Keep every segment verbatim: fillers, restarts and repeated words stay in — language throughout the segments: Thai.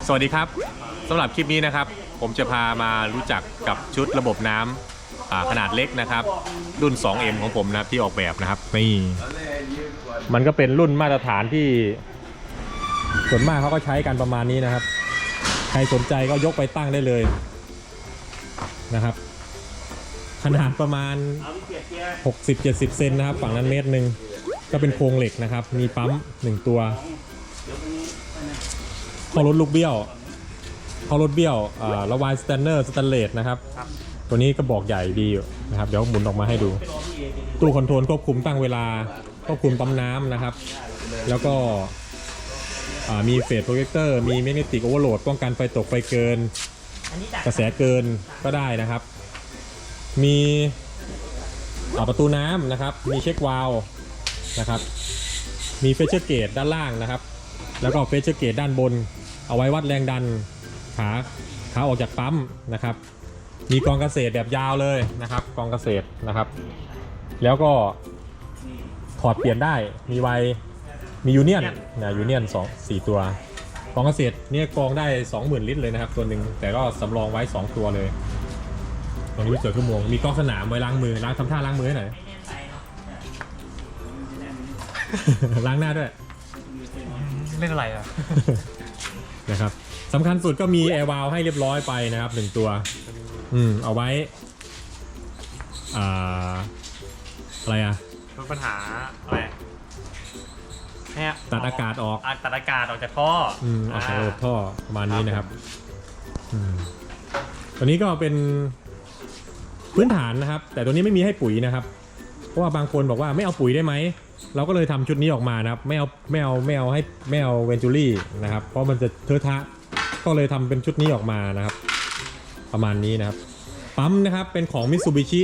สวัสดีครับสำหรับคลิปนี้นะครับผมจะพามารู้จักกับชุดระบบน้ำขนาดเล็กนะครับรุ่น สองเอ็ม ของผมนะที่ออกแบบนะครับนี่มันก็เป็นรุ่นมาตรฐานที่ส่วนมากเขาก็ใช้กันประมาณนี้นะครับใครสนใจก็ยกไปตั้งได้เลยนะครับขนาดประมาณ หกสิบเจ็ดสิบ เซนนะครับฝั่งนั้นเมตรหนึ่งก็เป็นโครงเหล็กนะครับมีปั๊มหนึ่งตัวข้อรถลูกเบี้ยวข้อรถเบี้ยวระวายสแตนเนอร์สแตนเลสนะครับตัวนี้ก็บอกใหญ่ดีอยู่นะครับเดี๋ยวหมุนออกมาให้ดูตู้คอนโทรลควบคุมตั้งเวลาควบคุมปั๊มน้ำนะครับแล้วก็มีเฟสโปรเจคเตอร์มีแมกเนติกโอเวอร์โหลดป้องกันไฟตกไฟเกินกระแสเกินก็ได้นะครับมีประตูน้ำนะครับมีเช็ควาล์วนะครับมีเฟเชอร์เกจด้านล่างนะครับแล้วก็เฟเชอร์เกจด้านบนเอาไว้วัดแรงดันขาขาออกจากปั๊มนะครับมีกรองเกษตรแบบยาวเลยนะครับกรองเกษตรนะครับแล้วก็ถอดเปลี่ยนได้มีไวมียูเนียนนะยูเนียนสองสี่ตัวกรองเกษตรเนี่ยกรองได้ สองหมื่น ลิตรเลยนะครับตัวหนึ่งแต่ก็สำรองไว้สองตัวเลยตรงนี้เสือขึ้นมวงมีกล้องสนามไว้ล้างมือล้างทำท่าล้างมือให้หน่อย ล้างหน้าด้วยเล่นอะไรอ่ะนะครับสำคัญสุดก็มีแอร์วาล์วให้เรียบร้อยไปนะครับหนึ่งตัวอืมเอาไว้อ่าอะไรอ่ะลดปัญหาอะไรเนี่ยตัดอากาศออกตัดอากาศออกจากท่ออืมออกจากระบบท่อประมาณนี้นะครับอืมตัวนี้ก็เป็นพื้นฐานนะครับแต่ตัวนี้ไม่มีให้ปุ๋ยนะครับเพราะว่าบางคนบอกว่าไม่เอาปุ๋ยได้ไหมเราก็เลยทำชุดนี้ออกมานะครับไม่เอาไม่เอาไม่เอาให้ไม่เอาเวนจูรี่นะครับเพราะมันจะเทอะทะก็เลยทำเป็นชุดนี้ออกมานะครับประมาณนี้นะครับปั๊มนะครับเป็นของ Mitsubishi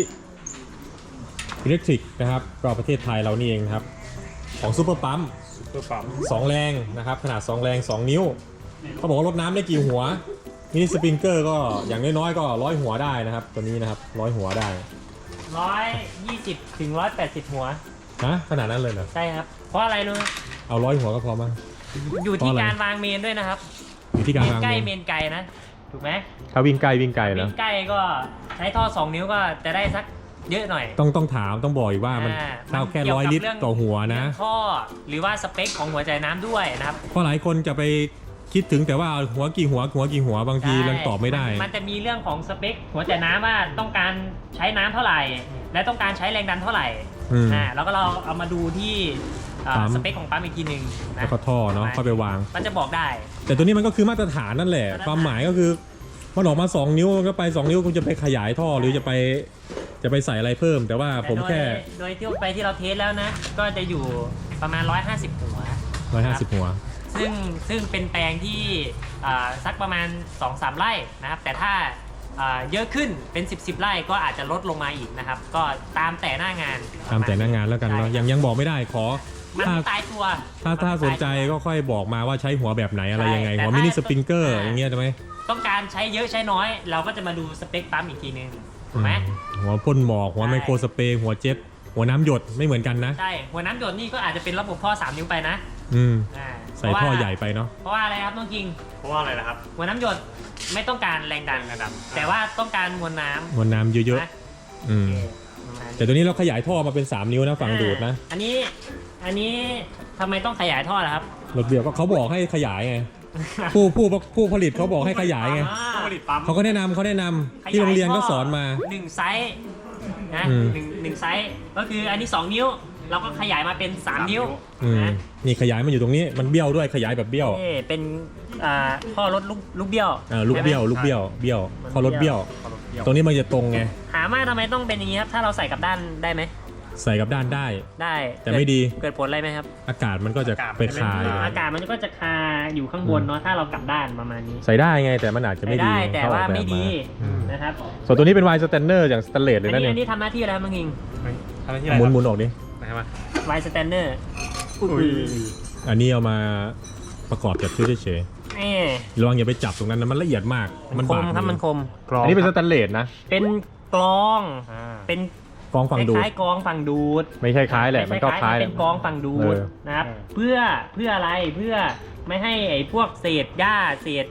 Electric นะครับก็ประเทศไทยเรานี่เองครับของซูเปอร์ปั๊มซูเปอร์ปั๊มสองแรงนะครับขนาดสองแรงสองนิ้วเขาบอกว่าลดน้ำได้กี่หัวมินิสปริงเกอร์ก็อย่างน้อยๆก็ร้อยหัวได้นะครับตัวนี้นะครับร้อยหัวได้ร้อยยี่สิบถึงร้อยแปดสิบหัวนะขนาดนั้นเลยเหรอใช่ครับเพราะอะไรรู้เอาร้อยหัวก็พอมั้งอยู่ที่การวางเมนด้วยนะครับอยู่ที่การวางเมนใกล้เมนไกลนะถูกไหมถ้าวิ่งใกล้วิ่งไกลแล้ววิ่งใกล้ก็ใช้ท่อสองนิ้วก็จะได้สักเยอะหน่อยต้องต้องถามต้องบอกอีกว่ามันเท่าแค่ร้อยลิตรต่อหัวนะท่อหรือว่าสเปคของหัวใจน้ำด้วยนะครับเพราะหลายคนจะไปคิดถึงแต่ว่าหัวกี่หัวหัวกี่หัวบางทียังตอบไม่ได้มันจะมีเรื่องของสเปคหัวใจน้ำว่าต้องการใช้น้ำเท่าไหร่และต้องการใช้แรงดันเท่าไหร่อ่าแล้วก็เราเอามาดูที่สเปคของปั๊มอีกทีหนึ่งแล้วก็ท่อเนาะเข้าไปวางมันจะบอกได้แต่ตัวนี้มันก็คือมาตรฐานนั่นแหละความหมายก็คือมันออกมาสองนิ้วก็ไปสองนิ้วคุณจะไปขยายท่อหรือจะไปจะไปใส่อะไรเพิ่มแต่ว่าผมแค่โดยที่ไปที่เราเทสแล้วนะก็จะอยู่ประมาณหนึ่งร้อยห้าสิบหัวหนึ่งร้อยห้าสิบหัวซึ่งซึ่งเป็นแปลงที่สักประมาณ สองสาม ไร่นะครับแต่ถ้าเยอะขึ้นเป็นสิบ สิบไร่ก็อาจจะลดลงมาอีกนะครับก็ตามแต่หน้างานตามแต่หน้างานแล้วกันเนาะยังยังบอกไม่ได้ขอมันตายตัวถ้าถ้าสนใจก็ค่อยบอกมาว่าใช้หัวแบบไหนอะไรยังไงหัวมินิสปริงเกอร์อย่างเงี้ยใช่ไหมต้องการใช้เยอะใช้น้อยเราก็จะมาดูสเปคปั๊มอีกทีนึงถูกไหมหัวพ่นหมอกหัวไมโครสเปรย์หัวเจ็ตหัวน้ำหยดไม่เหมือนกันนะใช่หัวน้ำหยดนี่ก็อาจจะเป็นระบบท่อสามนิ้วไปนะอืมใส่ท่อใหญ่ไปเนาะเพราะว่าอะไรครับน้องคิงเพราะว่าอะไรนะครับหัวน้ำหยดไม่ต้องการแรงดันนะครับแต่ว่าต้องการมวลน้ำมวลน้ำเยอะๆอืมแต่ตัวนี้เราขยายท่อมาเป็นสามนิ้วนะฝั่งดูดนะอันนี้อันนี้ทำไมต้องขยายท่อล่ะครับรถเบียร์ก็เขาบอกให้ขยายไงผู้ผู้ผู้ผลิตเขาบอกให้ขยายไงเขาก็แนะนำเขาแนะนำที่โรงเรียนก็สอนมาหนึ่งไซส์นะหนึ่งหนึ่งไซส์ก็คืออันนี้สองนิ้วเราก็ขยายมาเป็นสามนิ้วนะนี่ขยายมันอยู่ตรงนี้มันเบี้ยวด้วยขยายแบบเบี้ยวเป็นท่อรถลูกลูกเบี้ยวลูกเบี้ยวลูกเบี้ยวเบี้ยวท่อรถเบี้ยวตรงนี้มันจะตรงไงถามว่าทำไมต้องเป็นอย่างนี้ครับถ้าเราใส่กับด้านได้ไหมใส่กับด้านได้ได้แต่ไม่ดีเกิดผลอะไรไหมครับอากาศมันก็จะไปคาอากาศมันก็จะคาอยู่ข้างบนเนาะถ้าเรากลับด้านประมาณนี้ใส่ได้ไงแต่มันอาจจะไม่ดีแต่ว่าไม่ดีนะครับส่วนตัวนี้เป็นไวน์สแตนเนอร์อย่างสแตนเลสเลยนะเนี่ยอันนี้ทำหน้าที่อะไรมึงอิงทำหน้าที่อะไรหมุนหมุนออกดิไวน์สแตนเนอร์อันนี้เอามาประกอบจัดชื่อเฉยๆระวังอย่าไปจับตรงนั้นนะมันละเอียดมากมันคมครับมันคมอันนี้เป็นสแตนเลสนะเป็นกรองเป็นกองฝั่งดูดคล้ายกองฝั่งดูดไม่ใช่คล้ายแหละมันก็คล้ายเป็นกองฝั่งดูดนะครับเพื่อเพื่ออะไรเพื่อไม่ให้ไอ้พวกเศษหญ้าเศษ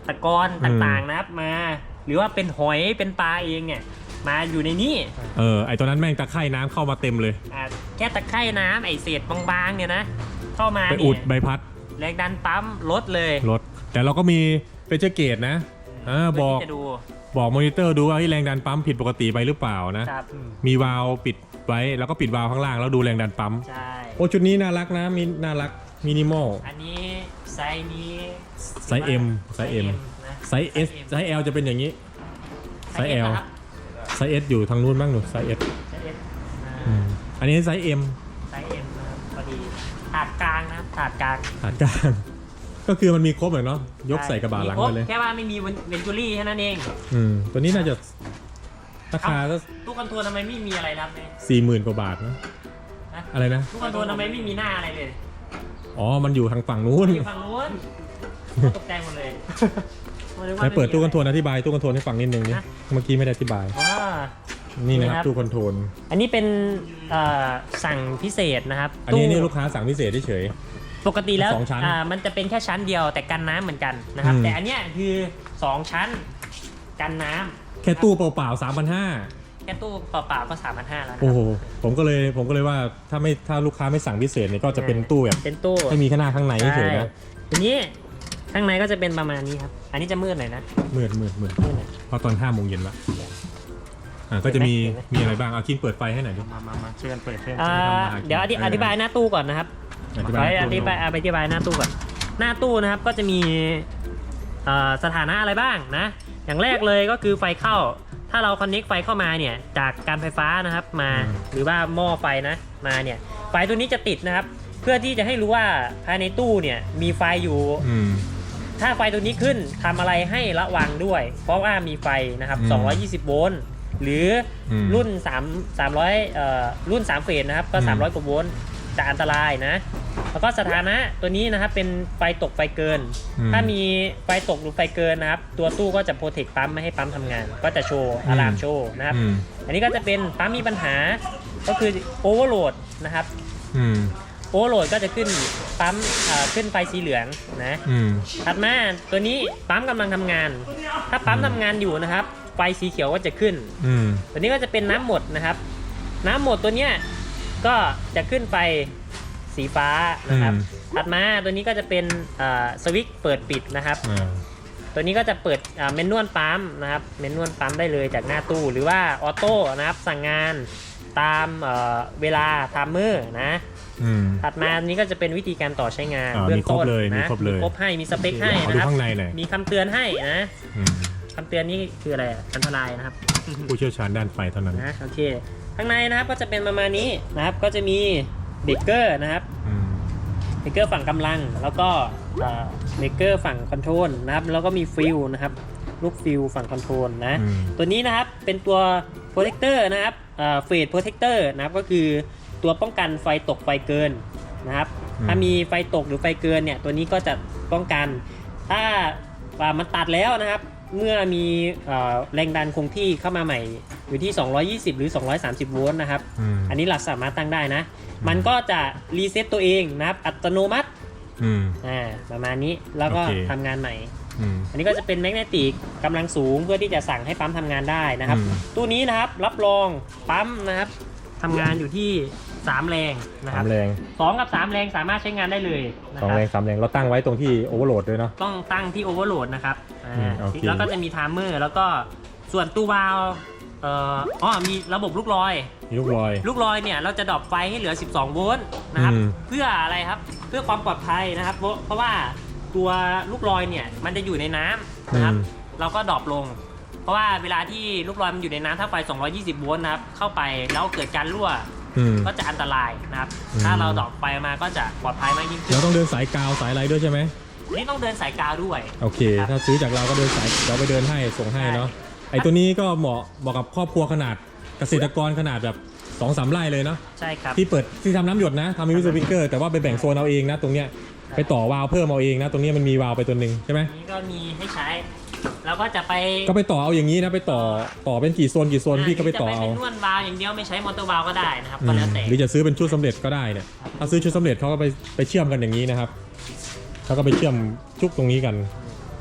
ตะกอนต่างๆนะครับมา หรือว่าเป็นหอยเป็นปลาเองเนี่ยมาอยู่ในนี้เออไอตัวนั้นแม่งตะไคร่น้ำเข้ามาเต็มเลยอ่าแค่ตะไคร่น้ำไอเศษบางๆเนี่ยนะเข้ามาไปเนี่อุดยใบพัดแรงดันปั๊มลดเลยรถแต่เราก็มีเฟเจอร์เกตนะอ่าบอกเพื่ที่จะดูบอกมอนิเตอร์ดูว่าที่แรงดันปั๊มผิดปกติไปหรือเปล่านะครับ มีวาล์วปิดไว้แล้วก็ปิดวาล์วข้างล่างแล้วดูแรงดันปั๊มใช่โอ้ชุดนี้น่ารักนะมีน่ารักมินิมอลอันนี้ไซส์นี้ไซส์ M ไซส์ M นะไซส์ S ไซส์ L จะเป็นอย่างนี้ ไซส์ L นะครับไซส์ S อยู่ทางนู้นบ้างหนูไซส์ S ไซส์ S อืมอันนี้ไซส์ M ไซส์ M นะครับพอดีถาดกลางนะครับถาดกลางฐานกลาง ก็คือมันมีครบเลยเนาะยกใส่กระบะหลังมีครไปเลยแค่ว่าไม่มีเวนจูรี่แค่นั้นเองอืมตัวนี้น่าจะราคาก็ตู้คอนโทรลทำไมไม่มีอะไรรับเนี่ยสี่หมื่นกว่าบาทนะฮะอะไรนะตู้คอนโทรลทำไมไม่มีหน้าอะไรเลยอ๋อมันอยู่ทางฝั่งนู้นอยู่ฝั่งนู้นตกใจหมดเลยไหนเปิดตู้คอนโทรลอธิบายตู้คอนโทรลให้ฟังนิดนึงนี่เมื่อกี้ไม่ได้อธิบายว้านี่นะครับนี่ครับตู้คอนโทรลอันนี้เป็นเอ่อสั่งพิเศษนะครับอันนี้ตู้นี่ลูกค้าสั่งพิเศษเฉยปกติแล้วสองชั้นอ่ามันจะเป็นแค่ชั้นเดียวแต่กันน้ำเหมือนกันนะครับอืมแต่อันเนี้ยคือสองชั้นกันน้ำแค่ตู้เปล่าๆสามพันห้าแค่ตู้เปล่าๆก็สามพันห้าแล้วนะคโอ้รับโหผมก็เลยผมก็เลยว่าถ้าไม่ถ้าลูกค้าไม่สั่งพิเศษเนี่ยก็จะเป็นตู้แบบเป็นตู้ให้มีข้างหน้าข้างในเฉยๆนะทีนี้ข้างในก็จะเป็นประมาณนี้ครับ อันนี้จะมืดหน่อยนะมืดมืดมืดมืดหน่อยเพราะตอนห้าโมงเย็นละอ่าก็จะมีเห็นไหมมีอะไรบ้างเอาคิงเปิดไฟให้หน่อยดิมามามาช่วยกันเปิดเพื่อนอ่าทำมาหากินเดี๋ยวอธิเอออธิบายหน้าตู้ก่อนนะครับอธิขบาอย อตู้ธิบายอธิบายหน้าตู้ก่อน หน้าตู้นะครับก็จะมีเอ่อสถานะอะไรบ้างนะ อย่างแรกเลยก็คือไฟเข้า ถ้าเราคอนเน็กไฟเข้ามาเนี่ยจากการไฟฟ้านะครับมาหรือว่าหม้อไฟนะมาเนี่ยไฟตัวนี้จะติดนะครับ เพื่อที่จะให้รู้ว่าภายในตู้เนี่ยมีไฟอยู่อืมถ้าไฟตัวนี้ขึ้นทำอะไรให้ระวังด้วย เพราะว่ามีไฟนะครับอืมสองร้อยยี่สิบโวลต์หรืออมรุ่น3 300เอ่อรุ่นสามเฟสนะครับก็อืมสามร้อยกว่าโวลต์จะอันตรายนะ แล้วก็สถานะตัวนี้นะครับเป็นไฟตกไฟเกินอืมถ้ามีไฟตกหรือไฟเกินนะครับ ตัวตู้ก็จะโปรเทคปั๊มไม่ให้ปั๊มทำงาน ก็จะโชว์อะลามโชว์นะครับอืมอันนี้ก็จะเป็นปั๊มมีปัญหาก็คือโอเวอร์โหลดนะครับอืมโอเวอร์โหลดก็จะขึ้นปั๊มเอ่อขึ้นไฟสีเหลืองนะอืมถัดมาตัวนี้ปั๊มกำลังทำงาน ถ้าปั๊มทำงานอยู่นะครับ ไฟสีเขียวก็จะขึ้นอืมตัวนี้ก็จะเป็นน้ำหมดนะครับ น้ำหมดตัวเนี้ยก็จะขึ้นไฟสีฟ้านะครับ ถัดมาตัวนี้ก็จะเป็นอ่าสวิตช์เปิดปิดนะครับอ่าตัวนี้ก็จะเปิดอ่าเมนนวลปั๊มนะครับ เมนนวลปั๊มได้เลยจากหน้าตู้หรือว่าออโต้นะครับสั่งงานตามเอ่อเวลาไทม์เมอร์นะอืมถัดมาอันนี้ก็จะเป็นวิธีการต่อใช้งานอ่าเบื้องมีครบต้นเลยมีนะครบเลยมีครบให้มีสเปคให้ขอนะดูครับข้างในหน่อยมีคำเตือนให้นะอืมคำเตือนนี่คืออะไรอ่ะอันตรายนะครับผู้เชี่ยวชาญด้านไฟเท่านั้นนะโอเคข้างในนะครับก็จะเป็นประมาณนี้นะครับก็จะมีเบรกเกอร์นะครับอืมเบรกเกอร์ฝั่งกำลังแล้วก็เอ่อเบรกเกอร์ฝั่งคอนโทรลนะครับแล้วก็มีฟิลนะครับลูกฟิลฝั่งคอนโทรลนะอืมตัวนี้นะครับเป็นตัวโปรเทคเตอร์นะครับเฟสโปรเทคเตอร์นะครับก็คือตัวป้องกันไฟตกไฟเกินนะครับอืมถ้ามีไฟตกหรือไฟเกินเนี่ยตัวนี้ก็จะป้องกัน ถ้าอ่ามันตัดแล้วนะครับ เมื่อมีเอ่อแรงดันคงที่เข้ามาใหม่อยู่ที่ สองร้อยยี่สิบ หรือ สองร้อยสามสิบ โวลต์นะครับอืมอันนี้เราสามารถตั้งได้นะ มันก็จะรีเซ็ตตัวเองนะครับ อัตโนมัติอืมอ่าประมาณนี้แล้วก็โอเคทำงานใหม่อืมอันนี้ก็จะเป็นแมกเนติกกำลังสูงเพื่อที่จะสั่งให้ปั๊มทำงานได้นะครับอืมตู้นี้นะครับรับรองปั๊มนะครับทำงานอยู่ที่สามแรงนะคสารับมแรงสองกับสามแรงสามารถใช้งานได้เลยนะสองครับแรงสามแรงเราตั้งไว้ตรงที่โอเวอร์โหลดด้วยเนาะต้องตั้งที่โอเวอร์โหลดนะครับอ่าอืมโอเคแล้วก็จะมีไทม์เมอร์แล้วก็ส่วนตู้วาล์วเอ่ออ๋อมีระบบลูกลอยมีลูกลอยลูกลอยเนี่ยเราจะดรอปไฟให้เหลือ สิบสอง โวลต์นะครับอืมเพื่ออะไรครับ เพื่อความปลอดภัยนะครับ เพราะเพราะว่าตัวลูกลอยเนี่ยมันจะอยู่ในน้ำนะครับ เราก็ดรอปลง เพราะว่าเวลาที่ลูกลอยมันอยู่ในน้ำถ้าไฟ สองร้อยยี่สิบ โวลต์นะครับ เข้าไปแล้วเกิดการรั่วอืมก็จะอันตรายนะครับอืมถ้าเราดรอปไฟมาก็จะปลอดภัยมากยิ่งขึ้เรานต้องเดินสายกาวสายอะไรด้วยใช่ไหมนี่ต้องเดินสายกาวด้วยโอเคครับถ้าซื้อจากเราก็เดินสายเราไปเดินให้ส่งให้เนาะ ไอตัวนี้ก็เหมาะเหมาะกับครอบครัวขนาดเกษตรกรขนาดแบบสองสามไร่เลยเนาะใช่ครับที่เปิดที่ทำน้ำหยดนะทำมิวสิฟิกเกอร์แต่ว่าไปแบ่งโซนเอาเองนะ ตรงเนี้ยไปต่อวาล์วเพิ่มเอาเองนะ ตรงเนี้ยมันมีวาล์วไปตัวหนึ่งใช่ไหมนี่ก็มีให้ใช้ แล้วก็จะไปก็ไปต่อเอาอย่างนี้นะไปต่อต่อเป็นกี่โซนกี่โซนพี่ก็ไปต่อเอาจะไปเป็นนวดวาล์วอย่างเดียวไม่ใช้มอเตอร์วาล์วก็ได้นะครับอืก็มแล้วแต่หรือจะซื้อเป็นชุดสำเร็จก็ได้เนี่ยถ้าซื้อชุดสำเร็จเขาก็ไปไปเชื่อมกันอย่างนี้นะครับเขาก็ไปเชื่อมชุกตรงนี้กัน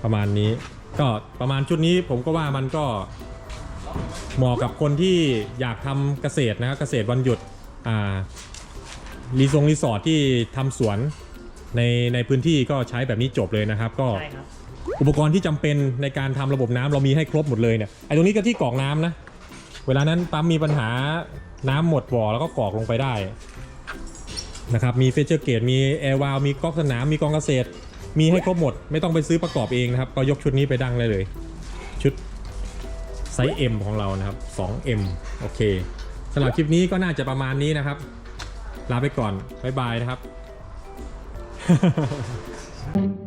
ประมาณนี้ก็ประมาณชุดนี้ผมก็ว่ามันก็เหมาะกับคนที่อยากทำเกษตรนะครับเกษตรวันหยุดอ่ารีสอร์ทรีสอร์ทที่ทำสวนในในพื้นที่ก็ใช้แบบนี้จบเลยนะครับก็ใช่ครับอุปกรณ์ที่จำเป็นในการทำระบบน้ำเรามีให้ครบหมดเลยเนี่ยไอ้ตรงนี้ก็ที่กรอกน้ำนะเวลานั้นปั๊มมีปัญหาน้ำหมดบ่อแล้วก็กรอกลงไปได้นะครับมีเฟเจอร์เกตมีแอร์วาลมีก๊อกสนามมีกองเกษตรมีให้ครบหมดไม่ต้องไปซื้อประกอบเองนะครับก็ยกชุดนี้ไปดังเลยเลยชุดไซส์ M ของเรานะครับ สองเอ็ม โอเคสำหรับคลิปนี้ก็น่าจะประมาณนี้นะครับลาไปก่อนบ๊ายบายนะครับ